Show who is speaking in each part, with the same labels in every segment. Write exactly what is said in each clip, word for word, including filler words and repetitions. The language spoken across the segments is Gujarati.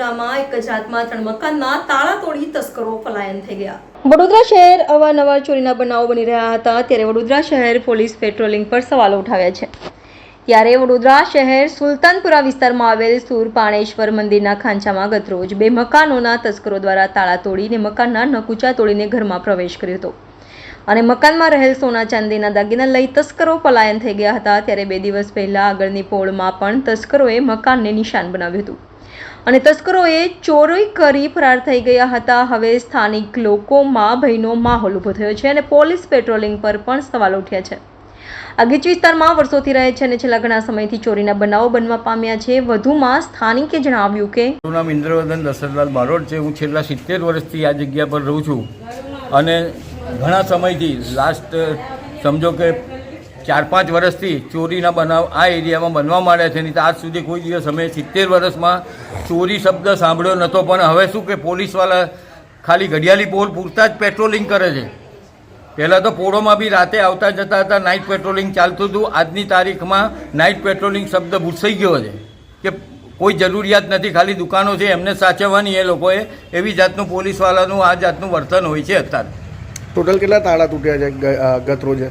Speaker 1: જિલ્લામાં એક જ રાતમાં ત્રણ મકાનના તાળા તોડી તસ્કરો પલાયન થઈ ગયા। વડોદરા શહેર અવારનવાર ચોરીના બનાવો બની રહ્યા હતા, ત્યારે વડોદરા શહેર પોલીસ પેટ્રોલિંગ પર સવાલો ઉઠાવ્યા છે। ત્યારે વડોદરા શહેર સુલતાનપુરા વિસ્તારમાં આવેલ સુરપાણેશ્વર મંદિરના ખાંચામાં ગતરોજ બે મકાનોના તસ્કરો દ્વારા તાળા તોડીને મકાનના નકુચા તોડીને ઘરમાં પ્રવેશ કર્યો હતો અને મકાનમાં રહેલ સોના ચાંદીના દાગીના લઈ તસ્કરો પલાયન થઈ ગયા હતા। ત્યારે બે દિવસ પહેલા આગળની પોળમાં પણ તસ્કરોએ મકાનને નિશાન બનાવ્યું હતું અને તસ્કરોએ ચોરી કરી ફરાર થઈ ગયા હતા। હવે સ્થાનિક લોકોમાં ભયનો માહોલ ઊભો થયો છે અને પોલીસ પેટ્રોલિંગ પર પણ સવાલો ઉઠ્યા છે। આ ગીચ વિસ્તારમાં વર્ષોથી રહે છે અને છેલ્લા ઘણા સમયથી ચોરીના બનાવો બનવા પામ્યા છે। વધુમાં સ્થાનિકે જણાવ્યું કે
Speaker 2: મારું નામ ઇન્દ્રવર્ધન દશરથલાલ બારોટ છે। હું છેલ્લા સિત્તેર વર્ષથી આ જગ્યા પર રહું છું અને ઘણા સમયથી લાસ્ટ સમજો કે ચાર પાંચ વર્ષથી ચોરીના બનાવ આ એરિયામાં બનવા માંડ્યા છે। નહીં તો આજ સુધી કોઈ દિવસ અમે સિત્તેર વર્ષમાં ચોરી શબ્દ સાંભળ્યો નહોતો, પણ હવે શું કે પોલીસવાળા ખાલી ઘડિયાળી પોલ પૂરતા જ પેટ્રોલિંગ કરે છે। પહેલાં તો પોળોમાં બી રાતે આવતા જતા હતા, નાઇટ પેટ્રોલિંગ ચાલતું હતું। આજની તારીખમાં નાઇટ પેટ્રોલિંગ શબ્દ ભૂસાઈ ગયો છે કે કોઈ જરૂરિયાત નથી, ખાલી દુકાનો છે એમને સાચવવાની એ લોકોએ, એવી જાતનું પોલીસવાળાનું આ જાતનું વર્તન હોય છે અત્યારે।
Speaker 3: ટોટલ કેટલા તાળા તૂટ્યા છે ગત રોજે?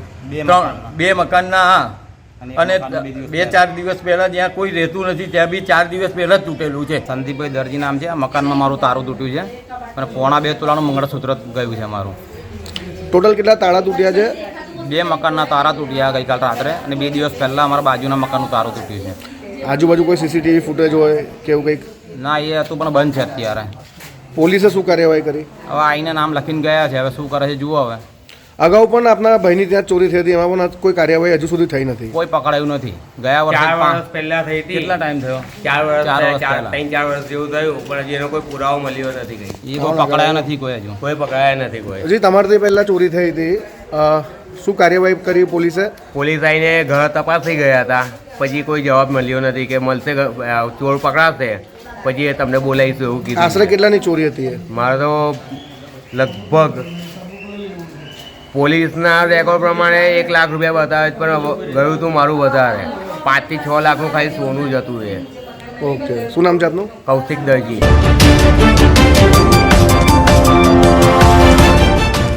Speaker 2: બે મકાનના, હા, અને બે ચાર દિવસ પહેલા જ્યાં કોઈ રહેતું નથી ત્યાં બી ચાર દિવસ પહેલા જ તૂટેલું છે।
Speaker 4: સંદીપભાઈ દરજી નામ છે। આ મકાનમાં મારું તારું તૂટ્યું છે અને પોણા બે તોલાનું મંગળસૂત્ર ગયું છે મારું।
Speaker 3: ટોટલ કેટલા તાળા તૂટ્યા છે?
Speaker 4: બે મકાનના તારા તૂટ્યા ગઈકાલ રાત્રે અને બે દિવસ પહેલાં અમારા બાજુના મકાનનું તારું તૂટ્યું છે।
Speaker 3: આજુબાજુ કોઈ સીસીટીવી ફૂટેજ હોય કે એવું કંઈક?
Speaker 4: ના, એ હતું પણ બંધ છે અત્યારે।
Speaker 3: પોલીસે શું કાર્યવાહી કરી?
Speaker 4: હવે આઈને નામ લખીને ગયા છે, હવે શું કરે છે જુઓ। હવે
Speaker 3: અગાઉ પણ આપના ભાઈની ત્યાં ચોરી થઈ હતી, એમાં પણ કોઈ કાર્યવાહી હજુ સુધી થઈ નથી?
Speaker 4: કોઈ પકડાયું નથી। ગયા વર્ષે
Speaker 5: ચાર વર્ષ પહેલા થઈ હતી।
Speaker 4: કેટલા ટાઈમ થયો?
Speaker 5: ચાર વર્ષ
Speaker 4: ચાર વર્ષ
Speaker 5: ચાર
Speaker 4: પહેલા.
Speaker 5: ત્રણ ચાર વર્ષ જેવું થયું, પણ હજી એનો કોઈ પુરાવો મળ્યો નથી કઈ।
Speaker 4: એ કોઈ પકડાયા નથી કોઈ હજુ।
Speaker 5: કોઈ પકડાયા નથી કોઈ।
Speaker 3: હજી તમારાથી પહેલાં ચોરી થઈ હતી, અ, શું કાર્યવાહી કરી પોલીસે?
Speaker 5: પોલીસ આવીને ઘર તપાસી ગયા હતા, પછી કોઈ જવાબ મળ્યો નથી કે મળશે, ચોર પકડાશે પછી એ તમને બોલાવીશું એવું કીધું।
Speaker 3: આશરે કેટલાની ચોરી હતી એ?
Speaker 5: મારે તો લગભગ પોલીસના રેકોર્ડ પ્રમાણે એક લાખ રૂપિયા બતાવે છે, પણ ગયું હતું મારું વધારે, પાંચથી છ લાખનું ખાલી સોનું જ હતું એ।
Speaker 3: ઓકે, શું નામ છે આપનું?
Speaker 5: કૌશિક દરજી।